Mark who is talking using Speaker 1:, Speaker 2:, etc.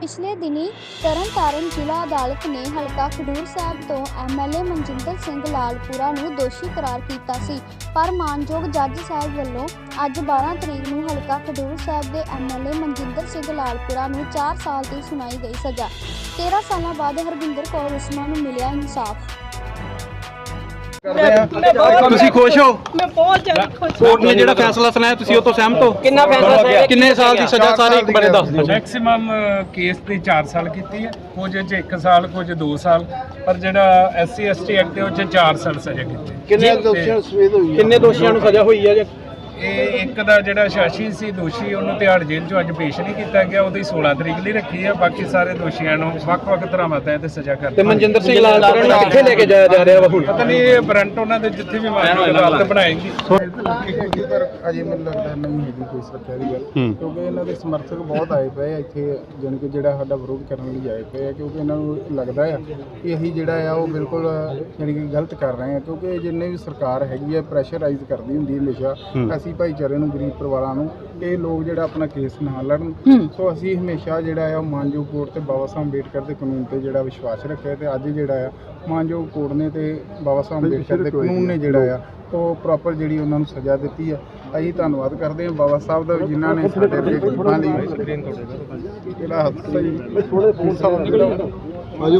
Speaker 1: ਪਿਛਲੇ ਦਿਨੀ ਤਰਨਤਾਰਨ ਜ਼ਿਲ੍ਹਾ ਅਦਾਲਤ ਨੇ ਹਲਕਾ ਖਡੂਰ ਸਾਹਿਬ ਤੋਂ ਐਮਐਲਏ ਮਨਜਿੰਦਰ ਸਿੰਘ ਲਾਲਪੁਰਾ ਨੂੰ ਦੋਸ਼ੀ ਕਰਾਰ ਕੀਤਾ ਸੀ, ਪਰ ਮਾਨਯੋਗ ਜੱਜ ਸਾਹਿਬ ਵੱਲੋਂ ਅੱਜ 12 ਤਰੀਕ ਨੂੰ ਹਲਕਾ ਖਡੂਰ ਸਾਹਿਬ ਦੇ ਐਮਐਲਏ ਮਨਜਿੰਦਰ ਸਿੰਘ ਲਾਲਪੁਰਾ ਨੂੰ 4 ਸਾਲ ਦੀ ਸੁਣਾਈ ਗਈ ਸਜ਼ਾ। 13 ਸਾਲਾਂ ਬਾਅਦ ਹਰਵਿੰਦਰ ਕੌਰ ਉਸਮਾ ਨੂੰ ਮਿਲਿਆ ਇਨਸਾਫ।
Speaker 2: ਤੁਸੀਂ ਖੁਸ਼ ਹੋ?
Speaker 3: मैं बहुत ज्यादा खुश हूं।
Speaker 2: ਕੋਰਟ ਨੇ ਜਿਹੜਾ ਫੈਸਲਾ ਸੁਣਾਇਆ ਤੁਸੀਂ ਉਹ ਤੋਂ ਸਹਿਮਤ ਹੋ?
Speaker 3: कितना फैसला सुनाया?
Speaker 2: ਕਿੰਨੇ ਸਾਲ ਦੀ ਸਜ਼ਾ ਸਾਰੇ ਇੱਕ ਬਾਰੇ ਦੱਸ ਦਿਓ।
Speaker 4: ਮੈਕਸਿਮਮ ਕੇਸ ਤੇ 4 ਸਾਲ ਕੀਤੀ ਹੈ, ਕੁਝ 'ਚ 1 ਸਾਲ, ਕੁਝ 2 ਸਾਲ, ਪਰ ਜਿਹੜਾ SC ST ਐਕਟ ਉਹ 'ਚ 4 ਸਾਲ ਸਜ਼ਾ ਕੀਤੀ।
Speaker 2: ਕਿੰਨੇ ਦੋਸ਼ੀਆਂ ਨੂੰ ਸਜ਼ਾ ਹੋਈ ਹੈ?
Speaker 4: ਇਹ ਇੱਕ ਦਾ ਜਿਹੜਾ ਸ਼ਾਸ਼ੀ ਸੀ ਦੋਸ਼ੀ, ਉਹਨੂੰ ਤਿਹਾੜ ਜੇਲ੍ਹ 'ਚੋਂ ਅੱਜ ਪੇਸ਼ ਨਹੀਂ ਕੀਤਾ ਗਿਆ, ਉਹਦੀ 16 ਤਰੀਕ ਲਈ ਰੱਖੀ ਹੈ। ਬਾਕੀ ਸਾਰੇ ਦੋਸ਼ੀਆਂ ਨੂੰ ਵੱਖ-ਵੱਖ ਧਾਰਾਵਾਂ ਤਹਿਤ ਸਜ਼ਾ ਕਰ
Speaker 2: ਤੇ ਮਨਜਿੰਦਰ ਸਿੰਘ ਲਾਲਪੁਰਾ ਨੂੰ ਕਿੱਥੇ ਲੈ ਕੇ ਜਾਇਆ ਜਾ ਰਿਹਾ ਵਾ ਹੁਣ?
Speaker 4: ਪਤਾ ਨਹੀਂ ਇਹ ਵਾਰੰਟ ਉਹਨਾਂ ਦੇ ਜਿੱਥੇ ਵੀ ਮਾਨਯੋਗ ਅਦਾਲਤ ਬਣਾਏਗੀ।
Speaker 5: ਪਰ ਅਜੇ ਮੈਨੂੰ ਲੱਗਦਾ ਨਹੀਂ ਹੈਗੀ ਕੋਈ ਸੁਰੱਖਿਆ ਦੀ ਗੱਲ, ਕਿਉਂਕਿ ਇਹਨਾਂ ਦੇ ਸਮਰਥਕ ਬਹੁਤ ਆਏ ਪਏ ਆ ਇੱਥੇ, ਜਾਣੀ ਕਿ ਜਿਹੜਾ ਸਾਡਾ ਵਿਰੋਧ ਕਰਨ ਲਈ ਆਏ ਪਏ ਆ, ਕਿਉਂਕਿ ਇਹਨਾਂ ਨੂੰ ਲੱਗਦਾ ਆ ਕਿ ਅਸੀਂ ਜਿਹੜਾ ਆ ਉਹ ਬਿਲਕੁਲ ਜਾਣੀ ਕਿ ਗਲਤ ਕਰ ਰਹੇ ਆ, ਕਿਉਂਕਿ ਜਿੰਨੇ ਵੀ ਸਰਕਾਰ ਹੈਗੀ ਆ ਪ੍ਰੈਸ਼ਰਾਈਜ਼ ਕਰਦੀ ਹੁੰਦੀ ਹਮੇਸ਼ਾ ਅਸੀਂ ਭਾਈਚਾਰੇ ਨੂੰ, ਗਰੀਬ ਪਰਿਵਾਰਾਂ ਨੂੰ, ਇਹ ਲੋਕ ਜਿਹੜਾ ਆਪਣਾ ਕੇਸ ਨਾ ਲੜਨ। ਸੋ ਅਸੀਂ ਹਮੇਸ਼ਾ ਜਿਹੜਾ ਆ ਉਹ ਮਾਨਯੋਗ ਕੋਰਟ ਤੇ ਬਾਬਾ ਸਾਹਿਬ ਅੰਬੇਡਕਰ ਦੇ ਕਾਨੂੰਨ ਤੇ ਜਿਹੜਾ ਵਿਸ਼ਵਾਸ ਰੱਖਿਆ, ਤੇ ਅੱਜ ਜਿਹੜਾ ਆ ਮਾਨਯੋਗ ਕੋਰਟ ਨੇ ਤੇ ਬਾਬਾ ਸਾਹਿਬ ਅੰਬੇਡਕਰ ਦੇ ਕਾਨੂੰਨ ਨੇ ਜਿਹੜਾ ਆ ਉਹ ਪ੍ਰੋਪਰ ਜਿਹੜੀ ਉਹਨਾਂ ਨੂੰ ਸਜ਼ਾ ਦਿੱਤੀ ਆ। ਅਸੀਂ ਧੰਨਵਾਦ ਕਰਦੇ ਹਾਂ ਬਾਬਾ ਸਾਹਿਬ ਦਾ, ਜਿਨ੍ਹਾਂ ਨੇ ਸਾਡੇ ਗਰੀਬਾਂ ਲਈ ਜਿਹੜਾ ਹਾਦਸਾ